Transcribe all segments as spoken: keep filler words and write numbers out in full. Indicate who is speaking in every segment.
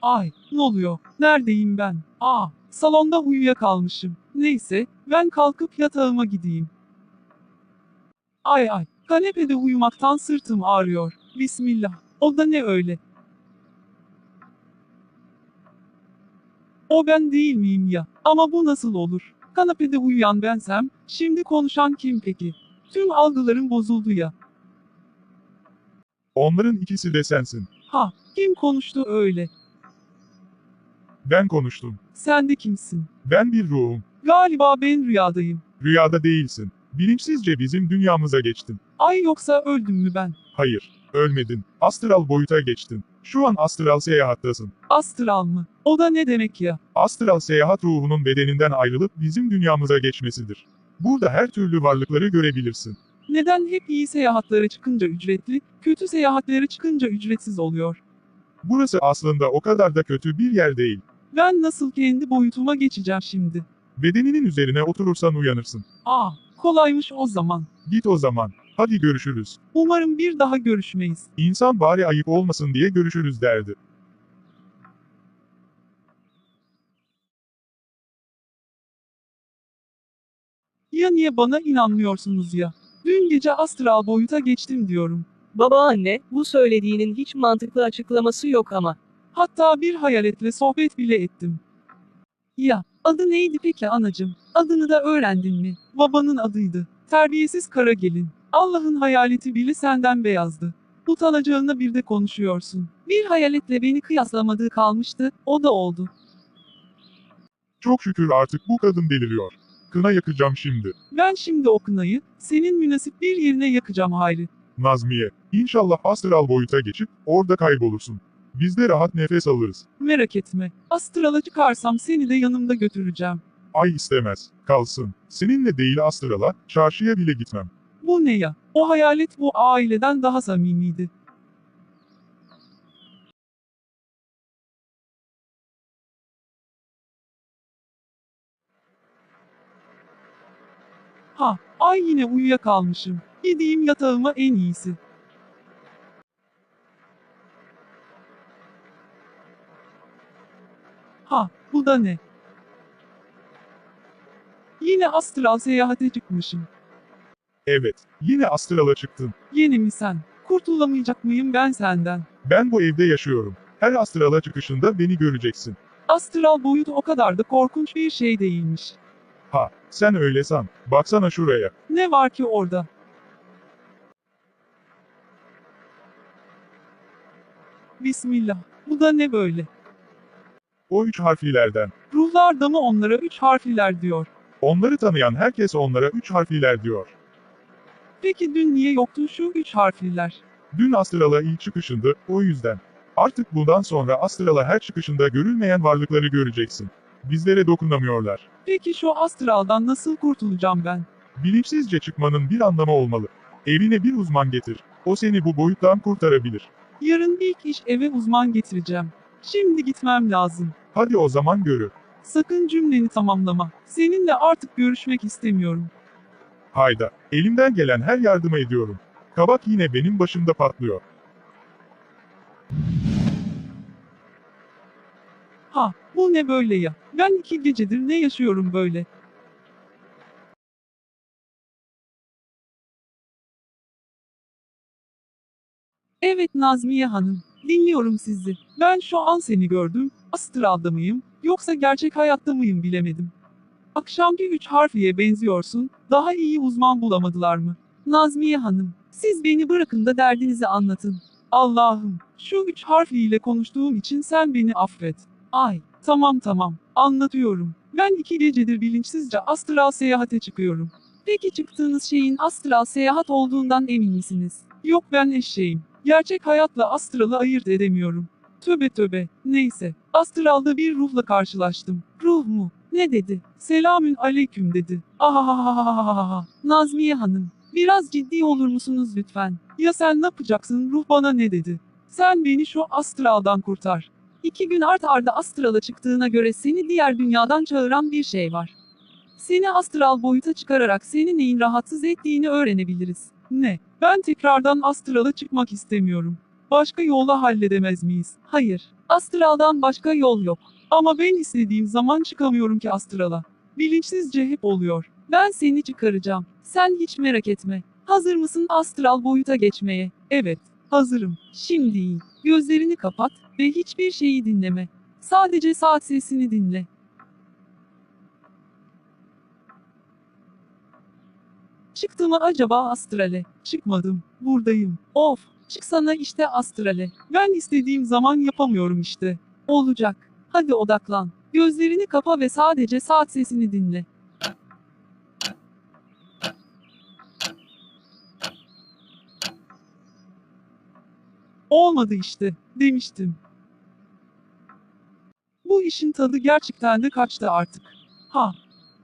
Speaker 1: Ay, ne oluyor? Neredeyim ben? Aa, salonda uyuyakalmışım. Neyse, ben kalkıp yatağıma gideyim. Ay ay, kanepede uyumaktan sırtım ağrıyor. Bismillah. O da ne öyle? O ben değil miyim ya? Ama bu nasıl olur? Kanepede uyuyan bensem, şimdi konuşan kim peki? Tüm algılarım bozuldu ya.
Speaker 2: Onların ikisi de sensin.
Speaker 1: Ha, kim konuştu öyle?
Speaker 2: Ben konuştum.
Speaker 1: Sen de kimsin?
Speaker 2: Ben bir ruhum.
Speaker 1: Galiba ben rüyadayım.
Speaker 2: Rüyada değilsin. Bilinçsizce bizim dünyamıza geçtin.
Speaker 1: Ay yoksa öldüm mü ben?
Speaker 2: Hayır, ölmedin. Astral boyuta geçtin. Şu an astral seyahattasın.
Speaker 1: Astral mı? O da ne demek ya?
Speaker 2: Astral seyahat ruhunun bedeninden ayrılıp bizim dünyamıza geçmesidir. Burada her türlü varlıkları görebilirsin.
Speaker 1: Neden hep iyi seyahatlere çıkınca ücretli, kötü seyahatlere çıkınca ücretsiz oluyor?
Speaker 2: Burası aslında o kadar da kötü bir yer değil.
Speaker 1: Ben nasıl kendi boyutuma geçeceğim şimdi?
Speaker 2: Bedeninin üzerine oturursan uyanırsın.
Speaker 1: Aa, kolaymış o zaman.
Speaker 2: Git o zaman. Hadi görüşürüz.
Speaker 1: Umarım bir daha görüşmeyiz.
Speaker 2: İnsan bari ayıp olmasın diye görüşürüz derdi.
Speaker 1: Ya niye bana inanmıyorsunuz ya? Dün gece astral boyuta geçtim diyorum.
Speaker 3: Babaanne, bu söylediğinin hiç mantıklı açıklaması yok ama.
Speaker 1: Hatta bir hayaletle sohbet bile ettim. Ya, adı neydi peki anacım? Adını da öğrendin mi? Babanın adıydı. Terbiyesiz kara gelin. Allah'ın hayaleti bile senden beyazdı. Utanacağına bir de konuşuyorsun. Bir hayaletle beni kıyaslamadığı kalmıştı, o da oldu.
Speaker 2: Çok şükür artık bu kadın deliriyor. Kına yakacağım şimdi.
Speaker 1: Ben şimdi o kınayı, senin münasip bir yerine yakacağım Hayri.
Speaker 2: Nazmiye, İnşallah astral boyuta geçip orada kaybolursun. Biz de rahat nefes alırız.
Speaker 1: Merak etme, astrala çıkarsam seni de yanımda götüreceğim.
Speaker 2: Ay istemez, kalsın. Seninle değil astrala, çarşıya bile gitmem.
Speaker 1: Bu ne ya? O hayalet bu aileden daha samimiydi. Ha, ay yine uyuyakalmışım. Gideyim yatağıma en iyisi. Ha, bu da ne? Yine astral seyahate çıkmışım.
Speaker 2: Evet, yine astrala çıktın.
Speaker 1: Yeni mi sen? Kurtulamayacak mıyım ben senden?
Speaker 2: Ben bu evde yaşıyorum. Her astrala çıkışında beni göreceksin.
Speaker 1: Astral boyut o kadar da korkunç bir şey değilmiş.
Speaker 2: Ha, sen öyle san. Baksana şuraya.
Speaker 1: Ne var ki orada? Bismillah. Bu da ne böyle?
Speaker 2: O üç harflilerden.
Speaker 1: Ruhlar da mı onlara üç harfliler diyor?
Speaker 2: Onları tanıyan herkes onlara üç harfliler diyor.
Speaker 1: Peki dün niye yoktu şu üç harfliler?
Speaker 2: Dün astrala ilk çıkışındı, o yüzden. Artık bundan sonra astrala her çıkışında görülmeyen varlıkları göreceksin. Bizlere dokunamıyorlar.
Speaker 1: Peki şu astraldan nasıl kurtulacağım ben?
Speaker 2: Bilinçsizce çıkmanın bir anlamı olmalı. Evine bir uzman getir. O seni bu boyuttan kurtarabilir.
Speaker 1: Yarın ilk iş eve uzman getireceğim. Şimdi gitmem lazım.
Speaker 2: Hadi o zaman görü.
Speaker 1: Sakın cümleni tamamlama. Seninle artık görüşmek istemiyorum.
Speaker 2: Hayda, elimden gelen her yardımı ediyorum. Kabak yine benim başımda patlıyor.
Speaker 1: Ha, bu ne böyle ya? Ben iki gecedir ne yaşıyorum böyle? Evet Nazmiye Hanım, dinliyorum sizi. Ben şu an seni gördüm, astralda mıyım, yoksa gerçek hayatta mıyım bilemedim. Akşamki üç harfliye benziyorsun, daha iyi uzman bulamadılar mı? Nazmiye Hanım, siz beni bırakın da derdinizi anlatın. Allah'ım, şu üç harfliyle konuştuğum için sen beni affet. Ay, tamam tamam, anlatıyorum. Ben iki gecedir bilinçsizce astral seyahate çıkıyorum. Peki çıktığınız şeyin astral seyahat olduğundan emin misiniz? Yok ben eşeğim. Gerçek hayatla astralı ayırt edemiyorum. Töbe töbe, neyse. Astralda bir ruhla karşılaştım. Ruh mu? Ne dedi? Selamün aleyküm dedi. Ahahahahaha. Nazmiye Hanım, biraz ciddi olur musunuz lütfen? Ya sen ne yapacaksın? Ruh bana ne dedi? Sen beni şu astraldan kurtar. İki gün art arda astrala çıktığına göre seni diğer dünyadan çağıran bir şey var. Seni astral boyuta çıkararak seni neyin rahatsız ettiğini öğrenebiliriz. Ne? Ben tekrardan astrala çıkmak istemiyorum. Başka yolla halledemez miyiz? Hayır. Astraldan başka yol yok. Ama ben istediğim zaman çıkamıyorum ki astrala. Bilinçsizce hep oluyor. Ben seni çıkaracağım. Sen hiç merak etme. Hazır mısın astral boyuta geçmeye? Evet, hazırım. Şimdi iyi. Gözlerini kapat ve hiçbir şeyi dinleme. Sadece saat sesini dinle. Çıktı mı acaba astrale? Çıkmadım. Buradayım. Of. Çıksana işte astrale. Ben istediğim zaman yapamıyorum işte. Olacak. Hadi odaklan. Gözlerini kapa ve sadece saat sesini dinle. Olmadı işte. Demiştim. Bu işin tadı gerçekten de kaçtı artık. Ha.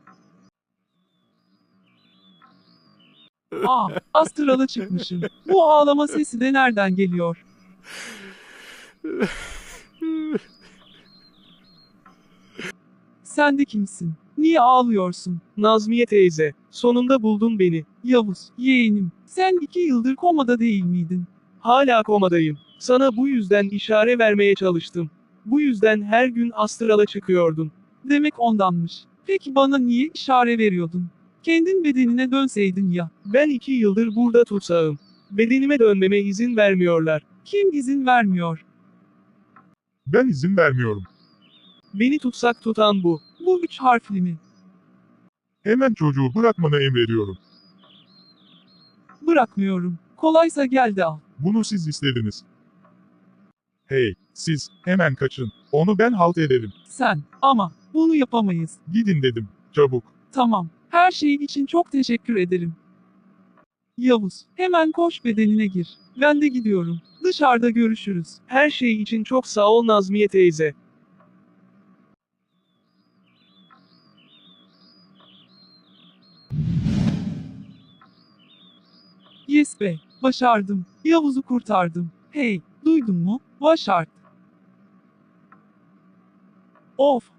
Speaker 1: Aa, astrala çıkmışım. Bu ağlama sesi de nereden geliyor? Sen de kimsin? Niye ağlıyorsun?
Speaker 3: Nazmiye teyze, sonunda buldun beni.
Speaker 1: Yavuz, yeğenim, sen iki yıldır komada değil miydin?
Speaker 3: Hala komadayım. Sana bu yüzden işare vermeye çalıştım. Bu yüzden her gün astrala çıkıyordun.
Speaker 1: Demek ondanmış. Peki bana niye işare veriyordun? Kendin bedenine dönseydin ya.
Speaker 3: Ben iki yıldır burada tutsağım. Bedenime dönmeme izin vermiyorlar.
Speaker 1: Kim izin vermiyor?
Speaker 2: Ben izin vermiyorum.
Speaker 3: Beni tutsak tutan bu.
Speaker 1: Bu üç harfli mi?
Speaker 2: Hemen çocuğu bırakmanı emrediyorum.
Speaker 1: Bırakmıyorum. Kolaysa gel de al.
Speaker 2: Bunu siz istediniz. Hey, siz, hemen kaçın. Onu ben halt ederim.
Speaker 1: Sen, ama, bunu yapamayız.
Speaker 2: Gidin dedim, çabuk.
Speaker 1: Tamam, her şey için çok teşekkür ederim. Yavuz, hemen koş bedenine gir. Ben de gidiyorum. Dışarıda görüşürüz.
Speaker 3: Her şey için çok sağ ol Nazmiye teyze.
Speaker 1: Yes be, başardım. Yavuz'u kurtardım. Hey, duydun mu? Başart. Of,